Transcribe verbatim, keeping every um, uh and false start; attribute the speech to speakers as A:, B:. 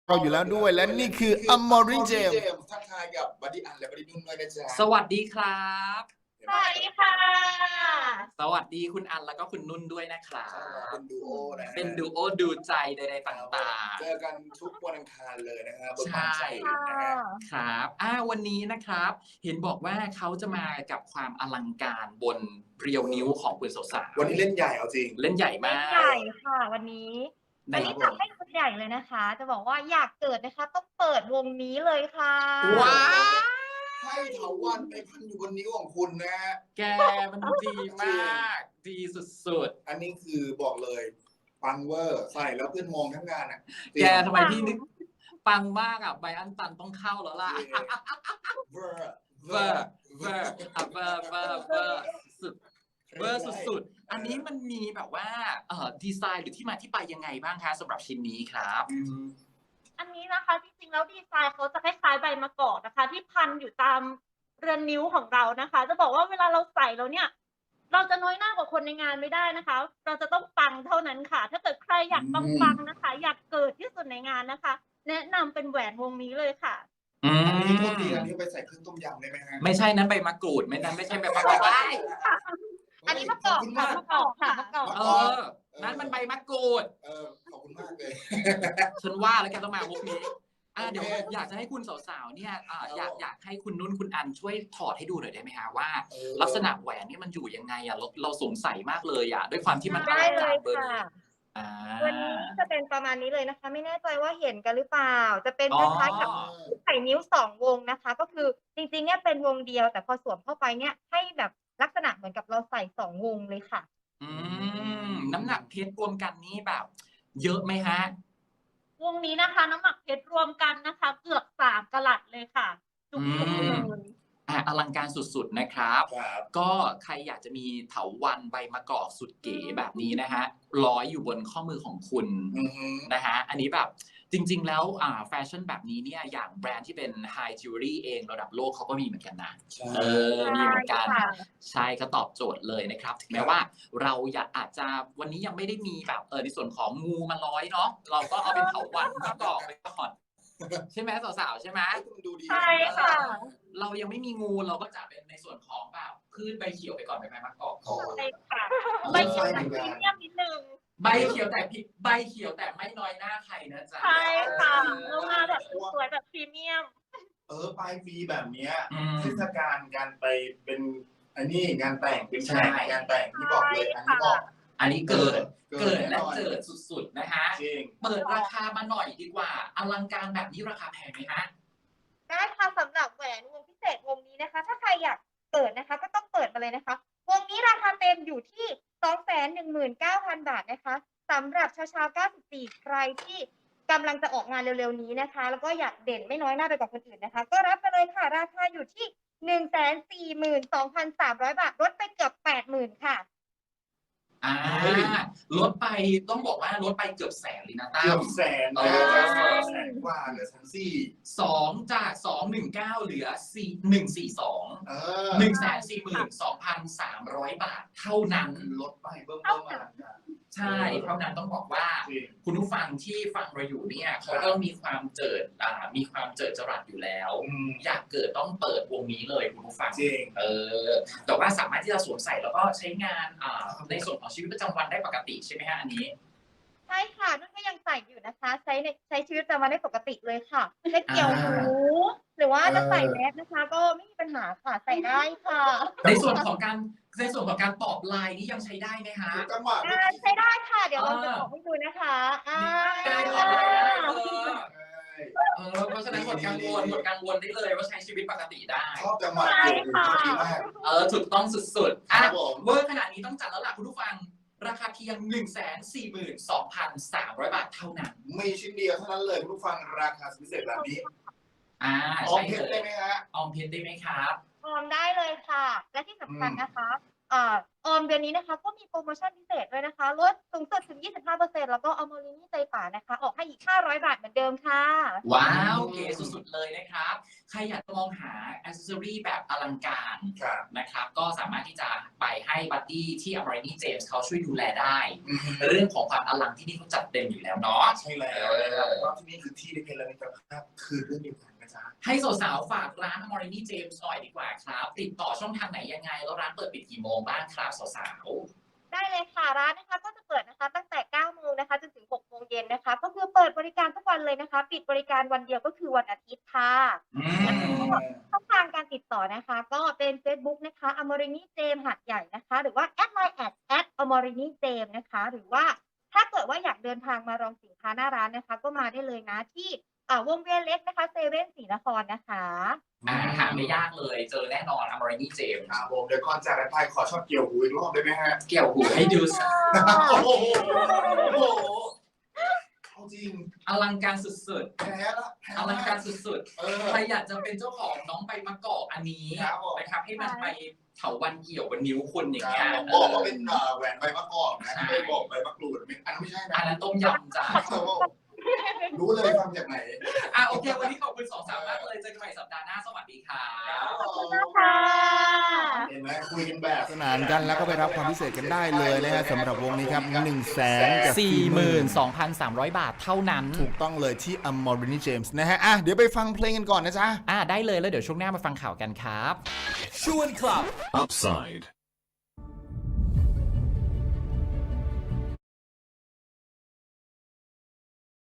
A: เราอยู่แล้วด้วยและนี่คืออมอริเจม
B: ทักทายกับบัดดี้อันและบัดดี้นุ่นด้วยนะจ๊ะ
C: สวัสดีครับ
D: สวัสดีค่ะ
C: สวัสดีคุณอันแล้วก็คุณนุ่นด้วยนะครับ
B: เป็นดูโอนะ
C: เป็นดูโอดูใจใดๆต่างๆ
B: เจอกันทุกวันอังคารเลยนะครับบน
C: ใช่
B: ความใจนะฮะ
C: ครับอ่าวันนี้นะครับ เห็นบอกว่าเขาจะมากับความอลังการบนเรียวนิ้วของคุณสาวๆ
B: วันนี้เล่นใหญ่เอาจริง
C: เล่นใหญ่มาก
D: ใหญ่ค่ะวันนี้
C: ใน
D: วันนี้จัดให้ชุดใหญ่เลยนะคะ จะบอกว่าอยากเกิดนะคะต้องเปิดวงนี้เลยค่ะ
C: ว้าว
B: ให้เถาวันไปพันอยู่บนนิ้วของคุณนะฮะ
C: แกมันดีมาก ดีสุด
B: อันนี้คือบอกเลยปังเวอร์ใส่แล้วเพื่อนมองทั้งงานอ่ะ
C: ๆ แกทำไมพี่นึกปังมากอ่ะไบอันตันต้องเข้าแล้วล่ะ
B: เวอร์
C: เวอร์เวอร์อ่ะเวอร์เวอร์เวอร์สุดเวอร์สุดๆ อันนี้มันมีแบบว่าเอ่อดีไซน์หรือที่มาที่ไปยังไงบ้างคะสำหรับชิ้นนี้ครับ
D: อันนี้นะคะจริงๆแล้วดีไซน์เขาจะคล้ายๆใบมะกอกนะคะ ที่พันอยู่ตามเรือนนิ้วของเรานะคะ จะบอกว่าเวลาเราใส่แล้วเนี่ย เราจะน้อยหน้ากว่าคนในงานไม่ได้นะคะ เราจะต้องปังเท่านั้นค่ะ ถ้าเกิดใครอยากปังๆนะคะ อยากเกิดที่สุดในงานนะคะ แนะนำเป็นแหวนวงนี้เลยค่ะ
C: อื
B: อันนี้โทษ
C: ม
B: ทีอันนี้ไปใส่เครื่องต้มยำได้ไหมฮะ
C: ไม่ใช่นั้นใบมะกรูดไม่นั้นไม่ใช่ใบมะกรูด
D: อันนี้มะกอกค่ะมะกอกค่ะมะกอก
C: เออนั้นมันใบมะกรูด
B: เออขอบคุณมากเลย
C: ฉันว่าแล้วแกต้องมามุกนี้อ่าเดี๋ยวอยากจะให้คุณสาวๆเนี่ยอ่าอยากอยากให้คุณนุ่นคุณอันช่วยถอดให้ดูหน่อยได้ไหมฮะว่า ลักษณะแหวนนี่มันอยู่ยังไงอ่ะเราเราสงสัยมากเลยอ่ะด้วยความที่มันอ
D: ได้
C: ลัง
D: เล
C: การ
D: ย
C: เบอร์
D: ค่ะ
C: นี้อ่า
D: วันนี้จะเป็นประมาณนี้เลยนะคะ ไม่แน่ใจว่าเห็นกันหรือเปล่า จะเป็น
C: อ๋
D: ค
C: อ
D: ล้ายๆกับใส่นิ้วสองวงนะคะ ก็คือจริงๆเนี่ยเป็นวงเดียว แต่พอสวมเข้าไปเนี่ยให้แบบลักษณะเหมือนกับเราใส่สองวงเลยค่ะ
C: อืมน้ำหนักเพชรรวมกันนี่แบบ เยอะไหมฮะ
D: วงนี้นะคะ น้ำหนักเพชรรวมกันนะคะ เกือบสามกะรัตเลยค่ะจุก
C: อื
D: ๆ
C: ม
D: เลย
C: อ่ะอลังการสุดๆนะครับ
B: ครับ
C: ก็ใครอยากจะมีเถาวัลย์ใบมะกอกสุดเก๋แบบนี้นะฮะร้อยอยู่บนข้อมือของคุณ
B: อือฮึ
C: นะฮะอันนี้แบบจริงๆแล้วอ่าแฟชั่นแบบนี้เนี่ยอย่างแบรนด์ที่เป็น High Jewelry เองระดับโลกเขาก็มีเหมือนกันนะ
B: ใช่
C: เออมีเหมือนกัน
D: ใช่ค่ะ
C: ใช่ก็ตอบโจทย์เลยนะครับ ถึงแม้ว่าเราอยากอาจจะวันนี้ยังไม่ได้มีแบบเออในส่วนของงูมาร้อยเนาะเราก็เอาเป็นเถาวัลย์มะกอกไปก่อนใช่ไหมสาวๆใช่ไหม
B: มันดูดี
D: ใช่ค่ะ
C: เรายังไม่มีงูเราก็จะเป็นในส่วนของแบบพืชใบเขียวไปก่อนใบไม้มะกอกก่อน
D: ใช่ค่ะใบเขียวแบบพรีเมียมนิดนึง
C: ใบเขียวแต่พิใบเขียวแต่ไม่น้อยหน้าใครนะจ๊ะ
D: ใช่ค่ะแล้วมาแบบสวยๆแบบพรีเมียม
B: เออปลายปีแบบเนี้ย
C: อืม
B: เทศกาลการไปเป็นอันนี้งานแต่งเป็น
C: ใช่
B: แขกงานแต่งที่บอกเลยอันนี้บอก
C: อันนี้เกิด
B: เกิ
C: เกิ
B: ด
C: ด
B: แน่
C: และ
B: นอน
C: เจิดสุดๆนะฮะ
B: จริง
C: เปิดราคามาหน่อยดีกว่า อลังการแบบนี้ราคาแพงไหมฮะ
D: ได้ค่ะสำหรับแหวนวงพิเศษวงนี้นะคะ ถ้าใครอยากเปิดนะคะ ก็ต้องเปิดมาเลยนะคะ วงนี้ราคาเต็มอยู่ที่ สองแสนหนึ่งหมื่นเก้าพัน บาทนะคะสำหรับชาวชาวเก้าสิบสี่ใครที่กำลังจะออกงานเร็วๆนี้นะคะ แล้วก็อยากเด่นไม่น้อยหน้าไปกว่าคนอื่นนะคะ ก็รับไปเลยค่ะ ราคาอยู่ที่ หนึ่งแสนสี่หมื่นสองพันสามร้อย บาทลดไปเกือบ แปดหมื่น ค่ะ
C: อ่าลดไปต้องบอกว่าลดไปเกือบแสนเลยนะตั้
B: เกือ
C: ม
B: บแสน
C: เอ
B: นะ
C: อ
B: แสนกว่าเหลือแสนสี่
C: สองจากสองหนึ่งเก้าเหลือสี่หนึ่งสี่สอง
B: เออ
C: หนึ่งแสนสี่หมื่นสองพันสามร้อยบาทเท่านั้น
B: ลดไปเบิ่มเบิ่มมา
C: ใช่เท่านั้นต้องบอกว่า
B: จริง
C: คุณผู้ฟังที่ฟังเราอยู่เนี่ยเขาก็มีความเจิดอ่ามีความเจิดจรัสอยู่แล้ว
B: อืม
C: อยากเกิดต้องเปิดวงนี้เลยคุณผู้ฟัง
B: จริง
C: เออแต่ว่าสามารถที่จะสวมใส่แล้วก็ใช้งานอ่าในส่วนของชีวิตประจำวันได้ปกติใช่ไหมฮะอันนี้
D: ใช่ค่ะนุ่นก็ยังใส่อยู่นะคะ ใช้ในใช้ชีวิตประจำวันได้ปกติเลยค่ะจะเกี่ยวหูหรือว่าจะใส่แมสนะคะ ก็ไม่มีปัญหาค่ะใส่ได้ค่ะ
C: ในส่วนของการในส่วนของการตอบไลน์นี่ยังใช้ได้ไหมฮะ
B: จังหวะ
D: อ่าใช้ได้ค่ะ เดี๋ยวเราจะบอกให้ดูนะคะอ่า
C: ได้ตอบไลน์ได้เออเออเพราะฉะนั้นหมดกังวลหมดกังวลได้เลยว่าใช้ชีวิตปกติได้
B: ชอบจังหวะ
D: ใช่
B: เกี่ยวหู
D: ค่ะ
B: ดีมาก
C: เออถูกต้องสุดๆ
B: ครั
C: อ่ะ
B: บผม
C: เวอร์ขนาดนี้ต้องจัดแล้วล่ะคุณผู้ฟัง ราคาเพียง หนึ่งแสนสี่หมื่นสองพันสามร้อย บาทเท่านั้น
B: มีชิ้นเดียวเท่านั้นเลยคุณผู้ฟังราคาพิเศษแบบนี้
C: อ่า
B: ออม
C: ใช่
B: เพชร
C: เล
B: ได้
C: ย
B: ไหมฮะ
C: ออมเพชรได้ไหมครับ
D: ออมได้เลยค่ะ และที่สำคัญนะคะเอ่อออมเดือนนี้นะคะ ก็มีโปรโมชั่นพิเศษด้วยนะคะลดสูงสุดถึง ยี่สิบห้าเปอร์เซ็นต์ แล้วก็เอาโมลินี่ใจป่านะคะ ออกให้อีกห้าร้อยบาทเหมือนเดิมค่ะ
C: ว้าวเก๋สุดๆเลยนะครับใครอยากจะมองหาอ c เซสซอรี่แบบอลังการ
B: ครับ
C: นะครับก็สามารถที่จะไปให้บัดดี้ที่ Amorini James เขาช่วยดูแลได้
B: อืม
C: เรื่องของความอลังที่นี่เขาจัดเต็มอยู่แล้วเนาะ
B: ใช่แล้วนะครับเพราะที่นี่คือที่ที่เป็นระมิตรภาพคือเรื่องเดียวกันนะจ๊ะ
C: ให้สาวๆฝากร้าน Amorini James หน่อยดีกว่าครับ ติดต่อช่องทางไหนยังไง แล้วร้านเปิดปิดกี่โมงบ้างครับสาวๆ
D: ได้เลยค่ะร้านนะคะก็จะเปิดนะคะตั้งแต่เก้าโมงนะคะจนถึงหกโมงเย็นนะคะก็คือเปิดบริการทุกวันเลยนะคะ ปิดบริการวันเดียวก็คือวันอาทิตย์ค่ะ
C: อืม
D: ช่องทางการติดต่อนะคะ ก็เป็น Facebook นะคะ Amorini James หาดใหญ่นะคะ หรือว่า แอด ไลน์ แอท แอท Amorini James นะคะ หรือว่าถ้าเกิดว่าอยากเดินทางมาลองสินค้าหน้าร้านนะคะ ก็มาได้เลยนะที่อ่าวงเวียนเล็กนะคะเซเว่นศรีนครนะคะ
C: อ่าหาไม่ยากเลยเจอแน่นอน Amorini James
B: ครับผมเดี๋ยวก่อนจากกันไปขอช็อตเกี่ยวหูอีกรอบได้ไหมฮะ
C: เกี่ยวหูให้ดูสัก
B: โอ้โหโอ้โหเอาจริง
C: อลังการสุด
B: แพ้ละแพ้
C: ๆ อลังการสุด
B: เออ
C: ๆ ใครอยากจะเป็นเจ้าของน้องใบมะกอกอันนี้
B: ครับผม
C: นะครับให้มันไปเถาวันเกี่ยวบนนิ้วคุณอย่างเงี้ย
B: ผมบอกว่าเป็นอ่าแหวนใบมะกอกนะไม่บอกใบมะกรูดไม่อันนั้นไม่ใช่นะ
C: อันนั้นต้มยำจ้ะ
B: รู้เลยฟังจากไหน
C: อ่ะโอเค วันนี้ขอบคุณสองสาวมากเลยเจอกันใหม่สัปดาห์หน้าสวัสดีครับ
D: ขอบคุณมากค่ะ
B: เห็นไหมคุยกันแบบ
A: สนานกันแล้วก็ไปรับความพิเศษกันได้เลยนะฮะสำหรับวงนี้ครับหนึ่งแสนกับ
C: สี่หมื่นสองพันสามร้อย บาทเท่านั้น
A: ถูกต้องเลยที่ Amorini James นะฮะอ่ะเดี๋ยวไปฟังเพลงกันก่อนนะจ๊ะ
C: อ่าได้เลยแล้วเดี๋ยวช่วงหน้ามาฟังข่าวกันครับ
E: Upside.